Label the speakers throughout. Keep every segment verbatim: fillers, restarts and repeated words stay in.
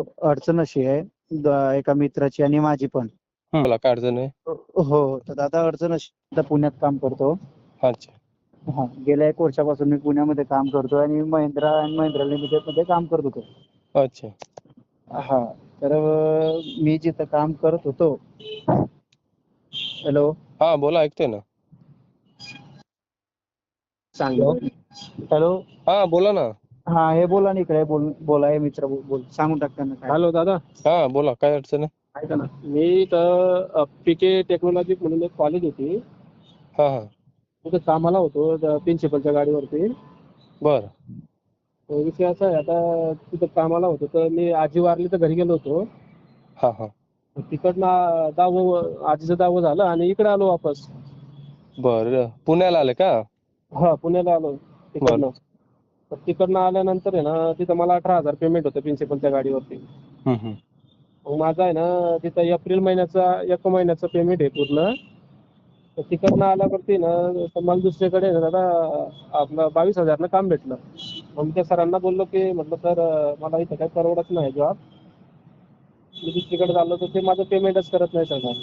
Speaker 1: अडचण अशी आहे, द- एका मित्राची आणि माझी पण.
Speaker 2: हं, बोला काय अडचण आहे?
Speaker 1: हो, तर दादा अडचण अशी, आता पुण्यात काम करतो.
Speaker 2: अच्छा.
Speaker 1: हा, गेल्या एक वर्षापासून मी पुण्यामध्ये काम करतो आणि महिंद्रा अँड महिंद्रा लिमिटेड मध्ये काम करत होतो.
Speaker 2: अच्छा.
Speaker 1: हा, तर अं, मी जिथं काम करत होतो. हॅलो.
Speaker 2: हा बोला, ऐकतोय ना.
Speaker 1: सांगितलं. हॅलो.
Speaker 2: हा बोला ना.
Speaker 1: हा, हे बोला ना, इकडे बोल बोला, हे मित्र बोल बोल- सांगून टाक त्यांना काय.
Speaker 3: हॅलो दादा,
Speaker 2: हा बोला, काय अडचण आहे?
Speaker 3: ऐका ना, मी इथं पीके टेक्नॉलॉजी म्हणून एक कॉलेज होती,
Speaker 2: हा हा.
Speaker 3: तिथं कामाला होतो प्रिन्सिपलच्या गाडीवरती.
Speaker 2: बर.
Speaker 3: तो विषय असा आहे, आता तिथं कामाला होतो तर मी आजी वारली तर घरी गेलो होतो.
Speaker 2: हा हा.
Speaker 3: तिकडनं दहावं आजीचं दहावं झालं आणि इकडे आलो वापस.
Speaker 2: बर, पुण्याला आले का?
Speaker 3: हा, पुण्याला आलो तिकडनं.
Speaker 2: बर.
Speaker 3: तर तिकडनं आल्यानंतर आहे ना, तिथं मला अठरा हजार पेमेंट होतं प्रिन्सिपलच्या गाडीवरती.
Speaker 2: हम्म हम्म.
Speaker 3: मग माझं आहे ना, तिथं एप्रिल महिन्याचा एक महिन्याचं पेमेंट आहे पूर्ण. तर तिकडनं आल्यावरती ना, तर मला दुसरीकडे ना दादा आपलं बावीस हजारनं काम भेटलं. मग मी त्या सरांना बोललो की म्हटलं सर, मला इथं काही परवडत नाही जॉब, मी दुसरीकडे चाललो तर ते माझं पेमेंटच करत नाही सर.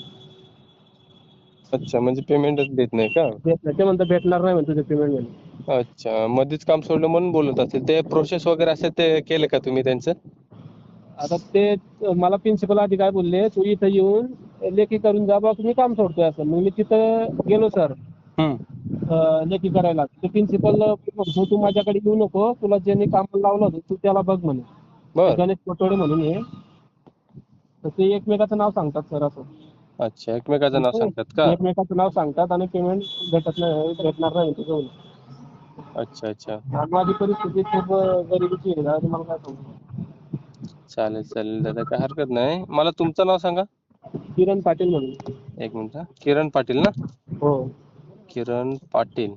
Speaker 2: अच्छा, म्हणजे पेमेंटच देत नाही का?
Speaker 3: देत नाही ते, म्हणतं भेटणार नाही म्हणतो ते पेमेंट म्हणून.
Speaker 2: अच्छा, मध्येच काम सोडलं म्हणून बोलत असेल. ते प्रोसेस वगैरे असेल ते केले का तुम्ही त्यांचं?
Speaker 3: आता ते मला प्रिन्सिपल आधी काय बोलले, तू इथं येऊन लेखी करून जा बा, तुम्ही काम सोडतोय असं. मग मी तिथं गेलो सर
Speaker 2: हम्म.
Speaker 3: लेखी करायला. ते प्रिन्सिपल तू माझ्याकडे येऊ नको, तुला ज्यांनी कामाला लावलं होतं तू त्याला बघ म्हणे.
Speaker 2: बर.
Speaker 3: गणेश पटोळे म्हणून आहे. तर ते एकमेकाचं नाव सांगतात सर असं.
Speaker 2: अच्छा, एकमेकाचं नाव सांगतात का?
Speaker 3: एकमेकाचं नाव सांगतात आणि पेमेंट भेटत नाही, भेटणार नाही म्हणतो जाऊन.
Speaker 2: अच्छा अच्छा.
Speaker 3: आणि माझी परिस्थिती खूप गरिबीची आहे दादा, तुम्हाला काय सांगू.
Speaker 2: चालेल चालेल दादा, काय हरकत नाही. मला तुमचं नाव सांगा.
Speaker 3: किरण पाटील म्हणून.
Speaker 2: एक मिनिट हा. किरण पाटील ना?
Speaker 3: हो.
Speaker 2: किरण पाटील.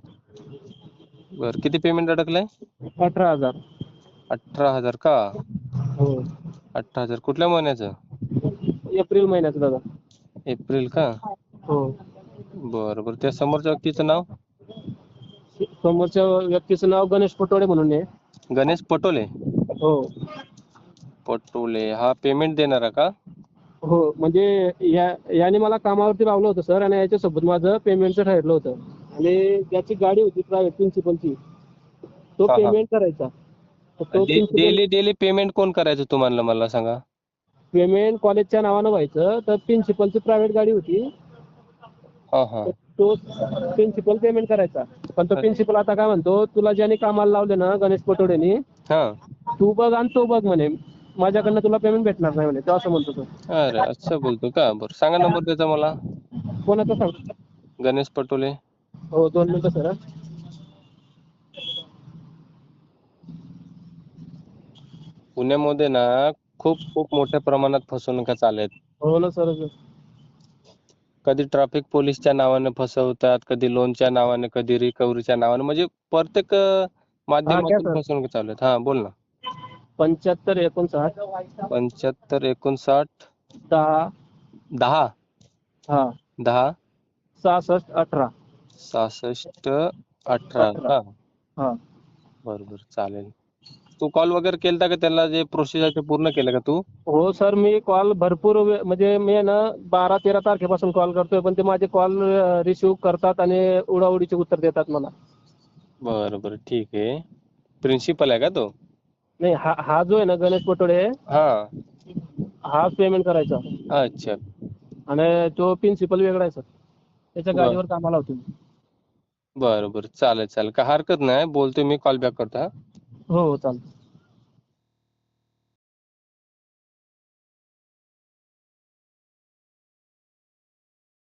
Speaker 2: बर, किती पेमेंट अडकलंय?
Speaker 3: अठरा हजार.
Speaker 2: अठरा हजार का?
Speaker 3: हो.
Speaker 2: अठरा हजार कुठल्या महिन्याचं?
Speaker 3: एप्रिल महिन्याचं दादा.
Speaker 2: एप्रिल का?
Speaker 3: हो.
Speaker 2: बरं बरं, त्या समोरच्या व्यक्तीचं नाव?
Speaker 3: समोरच्या व्यक्तीचं नाव गणेश पटोळे म्हणून आहे.
Speaker 2: गणेश पटोले.
Speaker 3: हो.
Speaker 2: पटोले हा पेमेंट देणारा का?
Speaker 3: हो, म्हणजे या याने मला कामावरती लावलं होतं सर, आणि याच्यासोबत माझं पेमेंटचं ठरलं होतं. आणि ज्याची गाडी होती प्रायव्हेट प्रिन्सिपलची, तो
Speaker 2: हा हा.
Speaker 3: पेमेंट करायचा. तर तो प्रिन्सिपल
Speaker 2: डेली डेली पेमेंट कोण करायचं तुम्हाला, मला सांगा?
Speaker 3: पेमेंट कॉलेजच्या नावानं व्हायचं. तर प्रिन्सिपलची प्रायव्हेट गाडी होती,
Speaker 2: हा हा.
Speaker 3: तर तो प्रिन्सिपल पेमेंट करायचा. पण तो प्रिन्सिपल आता काय म्हणतो, तुला ज्याने कामाला लावले ना गणेश पटोडेनी,
Speaker 2: हा.
Speaker 3: तू बघ आणि तो बघ म्हणे, माझ्याकडनं तुला पेमेंट भेटणार नाही म्हणे, तो असं म्हणतो तो.
Speaker 2: अरे असं बोलतो का? बरं, सांगा नंबर त्याचा मला.
Speaker 3: कोणाचं सांगतो?
Speaker 2: गणेश पटोले.
Speaker 3: हो, दोन मिनिटं सर.
Speaker 2: पुण्यामध्ये ना खूप खूप मोठ्या प्रमाणात फसवणुका चालू आहेत.
Speaker 3: हो ना सर.
Speaker 2: कधी ट्रॅफिक पोलीसच्या नावाने फसवतात, कधी लोनच्या नावाने, कधी रिकव्हरीच्या नावाने, म्हणजे प्रत्येक अं,
Speaker 3: हा, घ्या
Speaker 2: माध्यमातून
Speaker 3: सर.
Speaker 2: फसवणूक चालू आहेत. हा बोल ना.
Speaker 3: पंच्याहत्तर एकोणसाठ
Speaker 2: पंच्याहत्तर एकोणसाठ
Speaker 3: दहा
Speaker 2: दहा
Speaker 3: हा
Speaker 2: दहा
Speaker 3: सहासष्ट अठरा
Speaker 2: सहासष्ट अठरा
Speaker 3: अठरा
Speaker 2: का?
Speaker 3: हा.
Speaker 2: बरोबर, चालेल. तू कॉल वगैरे केलता का त्याला, जे प्रोसेस आहे ते पूर्ण केलं का तू?
Speaker 3: हो सर, मी कॉल भरपूर वे- म्हणजे मी ना बारा तेरा तारखेपासून कॉल करतोय, पण ते माझे कॉल रिसिव्ह करतात आणि उडाउडीचे उत्तर देतात मला.
Speaker 2: बरं बरं, ठीक आहे. प्रिन्सिपल आहे का तो?
Speaker 3: नाही, हा हा जो आहे ना गणेश पटोळे,
Speaker 2: हा.
Speaker 3: हा पेमेंट करायचा.
Speaker 2: अच्छा.
Speaker 3: आणि तो प्रिन्सिपल वेगळा आहे सर, त्याच्या
Speaker 2: बर
Speaker 3: गाडीवर कामाला होतो.
Speaker 2: बरं बरं, चालेल चालेल, काय हरकत नाही. बोलतोय मी, कॉल बॅक करतो हा.
Speaker 3: हो हो, चालतं.